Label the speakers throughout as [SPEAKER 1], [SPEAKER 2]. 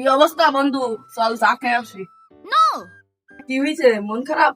[SPEAKER 1] কি অবস্থা বন্ধু? চল চা খেয়ে আসি। কি হয়েছে? মন খারাপ?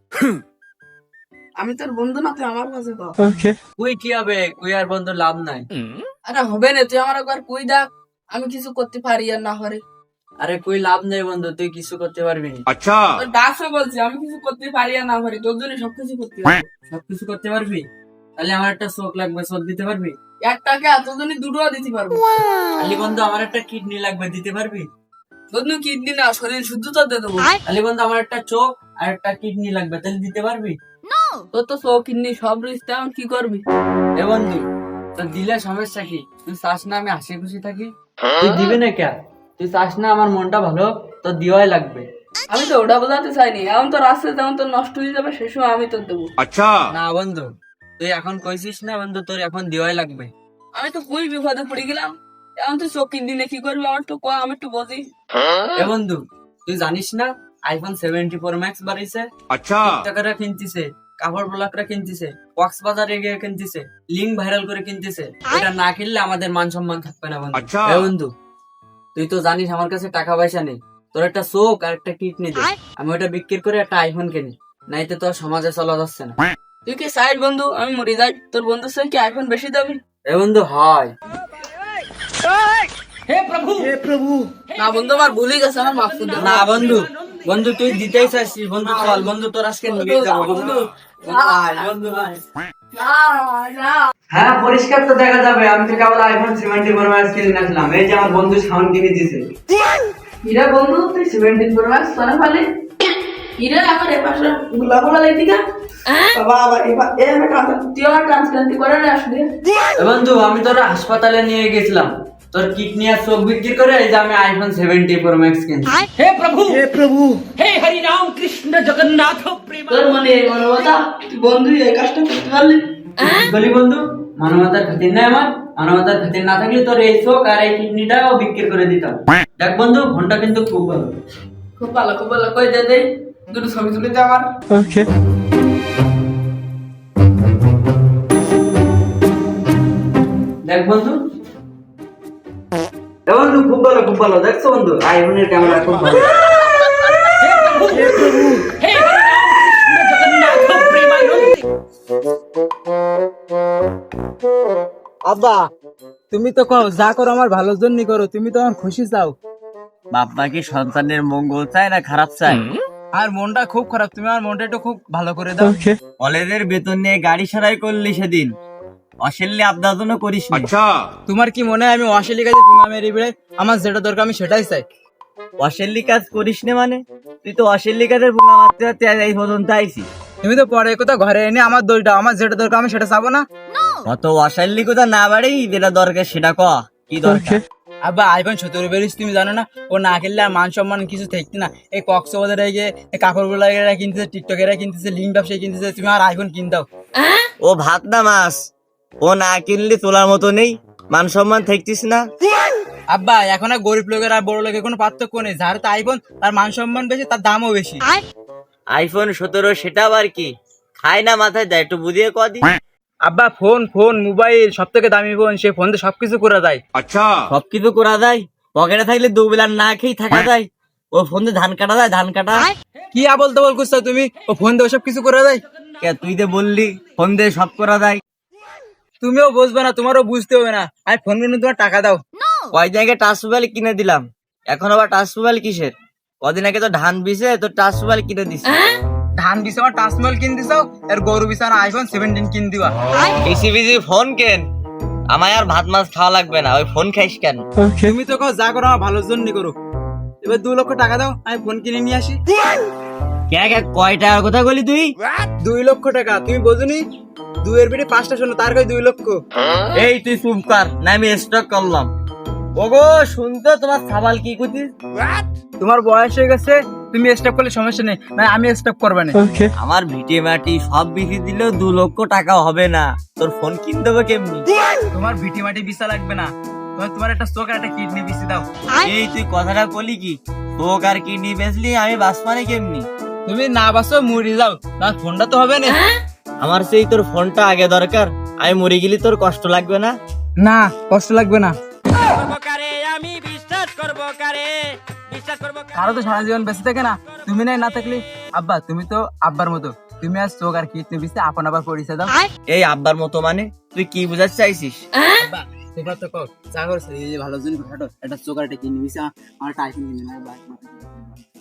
[SPEAKER 1] আমি তোর বন্ধু না, তুই আমার কাছে কর।
[SPEAKER 2] কুই কি হবে? কুই আর বন্ধু লাভ নাই।
[SPEAKER 1] আরে হবে না, তুই আমার একবার কুই দেখ, আমি কিছু করতে পারি আর না পারি।
[SPEAKER 2] আরে কুই লাভ নেই বন্ধু, তুই কিছু করতে পারবি না।
[SPEAKER 1] তোর ডাকছে বলছি, আমি কিছু করতে পারি আর না পারি, তোর জন্য সবকিছু করতে পারি।
[SPEAKER 2] সবকিছু করতে পারবি? তাহলে আমার একটা চোখ লাগবে, চোখ দিতে পারবি?
[SPEAKER 1] একটাকে তোর জন্য দুটো দিতে পারবো।
[SPEAKER 2] আলি বন্ধু আমার একটা কিডনি লাগবে, দিতে পারবি?
[SPEAKER 1] তোর জন্য কিডনি না, শরীর শুদ্ধতা দিয়ে দেবো।
[SPEAKER 2] আলি বন্ধু আমার একটা চোখ আর একটা কিডনি লাগবে, তাহলে দিতে পারবি?
[SPEAKER 1] তোর তো চোখ কিডনি সব রয়েছে, এখন কি করবি?
[SPEAKER 2] এ বন্ধু তোর দিলে সমস্যা কি? তুই চাস না আমি হাসি খুশি থাকি? তুই দিবি না কে? তুই চাস না আমার মনটা ভালো? তোর দিওয়াই লাগবে।
[SPEAKER 1] আমি তো ওটা বোঝাতে চাইনি, এখন তোর আসছে যেমন তোর নষ্ট হয়ে যাবে সে সময় আমি তোর দেবো।
[SPEAKER 2] না বন্ধু, তুই এখন কইছিস না বন্ধু, তোর এখন দিওয়াই লাগবে।
[SPEAKER 1] আমি তো খুবই বিপদে পড়ে গেলাম, এখন তুই চোখ কিডনি কি করবি আমার তো কয়, আমি একটু বুঝি।
[SPEAKER 2] এ বন্ধু তুই জানিস না আইফোন 74 ম্যাক্স বাড়িছে? টিকটকাররা কিনতিছে, কাপড় ব্লগরা কিনতিছে, কক্সবাজারে গিয়ে কিনতিছে, লিঙ্ক ভাইরাল করে কিনতিছে। এটা না কিনলে আমাদের মান সম্মান থাকবে না বন্ধু। এ বন্ধু তুই তো জানিস আমার কাছে টাকা পয়সা নেই, তোর একটা চোখ আর একটা কিডনি দে, আমি ওটা বিক্রি করে একটা আইফোন কিনি, নাইতে তোর সমাজে চলা যাচ্ছে না।
[SPEAKER 1] তুই কি সাইড বন্ধু, আমি মরে যাই, তোর বন্ধুর সঙ্গে কি আইফোন বেশি দাবি?
[SPEAKER 2] এ বন্ধু হয়
[SPEAKER 1] না বন্ধু, আমার ভুলে গেছে, আমার মাফ করে দাও।
[SPEAKER 2] না বন্ধু, বন্ধু তুই দিতেই চাইছিস বন্ধু, চল বন্ধু তোর আজকে নিয়ে যাবো বন্ধু। আয়, বন্ধু আয়।
[SPEAKER 1] না, না।
[SPEAKER 2] হ্যাঁ পরিষ্কার তো দেখা যাবে, আমি তো কেবল আইফোন 74 ম্যাক্স কিনে নিয়েছিলাম, এই যে আমার বন্ধু সাউন্ড কিনে দিয়েছে।
[SPEAKER 1] হিরা বন্ধু, তুই 17 প্রো ম্যাক্স সোনা ফেলে হিরা আমার এ পাশে গোলা লাগি না বাবা, আবার এবার এ আমি তুই আমার ট্রান্সপ্লান্ট করে না আসলে।
[SPEAKER 2] এ বন্ধু আমি তোর হাসপাতালে নিয়ে গেছিলাম, তোর কিডনি আর চোখ বিক্রি করে এই যে আমি আইফোন 74 ম্যাক্স কিনছি।
[SPEAKER 1] তোর মনে এই মানবতা, তুই বন্ধু এই কাজটা করতে পারলি?
[SPEAKER 2] বলি বন্ধু, মানবতার খাতির নাই আমার, মানবতার খাতির না থাকলে তোর এই চোখ আর এই কিডনিটাও বিক্রি করে দিতাম। দেখ বন্ধু ফোনটা কিন্তু খুব ভালো।
[SPEAKER 1] খুব ভালো, খুব ভালো, কই দে দে দুটো ছবি তুলে দে আমার।
[SPEAKER 2] দেখ বন্ধু, এ বন্ধু খুব ভালো, খুব ভালো। দেখছো বন্ধু আইফোনের ক্যামেরা খুব ভালো।
[SPEAKER 3] আব্বা তুমি তো কও যা করো আমার ভালোর জন্যই করো, তুমি তো আমার খুশি চাও।
[SPEAKER 2] বাবা কি সন্তানের মঙ্গল চায় না খারাপ চায়?
[SPEAKER 3] আর মনটা খুব খারাপ, তুমি আমার মনটা একটু খুব ভালো করে দাও।
[SPEAKER 2] কলেজের বেতন নিয়ে গাড়ি সারাই করলি সেদিন, অশ্লীল আবদার জন্য করিস না।
[SPEAKER 3] তোমার কি মনে হয় আমি অশ্লীল কাজে পুঙ্গা মেরে বেড়ে? আমার যেটা দরকার আমি সেটাই চাই।
[SPEAKER 2] অশ্লীল কাজ করিস না মানে? তুই তো অশ্লীল কাজের পুঙ্গা মারতে মারতে এই পর্যন্ত আইছিস।
[SPEAKER 3] তুমি তো পরে কথা ঘরে এনে আমার দইটা, আমার যেটা দরকার আমি সেটা চাবো না।
[SPEAKER 2] অত অশ্লীলতা না বাড়ি, যেটা দরকার সেটা ক। কি দরকার?
[SPEAKER 3] আব্বা আইফোন 17 বেরিয়েছে, তুমি জানো না? ও না খেললে আর মান সম্মান কিছু থাকতে না। এই কক্সবাজারে গিয়ে কাপড় গুলা কিনতেছে, টিকটকেরা কিনতেছে, লিঙ্ক ব্যবসায়ী কিনতেছে, তুমি আর আইফোন কিন দাও।
[SPEAKER 2] ও ভাত না মাছ, ও না কিনলে তোলার মতো নেই, মান সম্মান থাকতিস না।
[SPEAKER 3] আব্বা এখন আর গরিব লোকের আর বড় লোকের কোনো পার্থক্য নেই, যার তো আইফোন তার মান সম্মান বেশি, তার দামও বেশি।
[SPEAKER 2] আইফোন 17 সেটা আবার কি? খায় না মাথায় দেয়, একটু বুঝিয়ে কদি।
[SPEAKER 3] আব্বা ফোন ফোন মোবাইল সব থেকে দামি ফোন, সে ফোন দিয়ে সবকিছু করা যায়।
[SPEAKER 2] সবকিছু করা যায়? পকেটে থাকলে দুবেলা না খেয়ে থাকা যায়? ও ফোন দিয়ে ধান কাটা যায়, ধান কাটা।
[SPEAKER 3] কি আবল তাবল করছো তুমি? ও ফোন দিয়ে সব কিছু করা যায়?
[SPEAKER 2] কে তুই যে বললি ফোন দিয়ে সব করা যায়?
[SPEAKER 3] তুমিও বুঝবে না, তোমারও বুঝতে হবে না। আমি ফোন কিনে তোমার টাকা দাও।
[SPEAKER 2] কয় জায়গায় টাচ মোবাইল কিনে দিলাম, এখন আবার টাচ মোবাইল কিসের? কদিন আগে তো ধান বিছে তো টাচ মোবাইল কিনে দিস।
[SPEAKER 3] ধান বিছে আমার টাচমহল কিন দিছাও, আর গরু বিছে আমার আইফোন 17 কিন দিবা।
[SPEAKER 2] বেশি বেশি ফোন কেন? আমায় আর ভাত মাছ খাওয়া লাগবে না, ওই ফোন খাইস কেন?
[SPEAKER 3] তুমি তো কও যা করো আমার ভালোর জন্য করো। এবার 2 লক্ষ টাকা দাও, আমি ফোন কিনে নিয়ে আসি।
[SPEAKER 2] কয় টাকার কথা বলি তুই?
[SPEAKER 3] 2 লক্ষ টাকা, তুমি বোঝনি? 2 এর বেটে 5টা শোনো, তার কাছে 2 লক্ষ।
[SPEAKER 2] এই তুই চুপ কর না, আমি স্টক করলাম। ওগো শুনতো তোমার সাবাল কি করছিস?
[SPEAKER 3] তোমার বয়স হয়ে গেছে, তুমি স্টপ করলে সমস্যা নেই, না আমি স্টপ করবে না।
[SPEAKER 2] আমার ভিটে মাটি সব বিক্রি দিলেও 2 লক্ষ টাকা হবে না, তোর ফোন কিনতে হবে কেমনি?
[SPEAKER 3] তোমার ভিটি মাটি বিছা লাগবে না, তোমার একটা চোখ আর একটা কিডনি বিছি দাও।
[SPEAKER 2] এই তুই কথাটা বলি কি? তোক আর কিডনি বেচলি আমি বাঁচবানে কেমনি?
[SPEAKER 3] তুমি না বাসো মরে যাও, তোমার ফোনটা তো হবে না।
[SPEAKER 2] আমার সেই তোর ফোনটা আগে দরকার, আমি মরে গেলি তোর কষ্ট লাগবে না?
[SPEAKER 3] না কষ্ট লাগবে না।
[SPEAKER 2] আমি বিশ্বাস
[SPEAKER 3] কারো তো সারা জীবন বেঁচে থাকে না, তুমি না থাকলে। আব্বা তুমি তো আব্বার মতো, তুমি আর চোখ আর কিডনি বিচে আপন আবার পরিচয় দাও।
[SPEAKER 4] এই আব্বার মতো মানে তুই কি বুঝাতে চাইছিস?
[SPEAKER 3] আব্বা তোমরা তো কও চা করছে এই যে ভালো জন ঘাটো, একটা চোখ আর একটা কিডনি বিচে আমার টাইফিন কিনে না।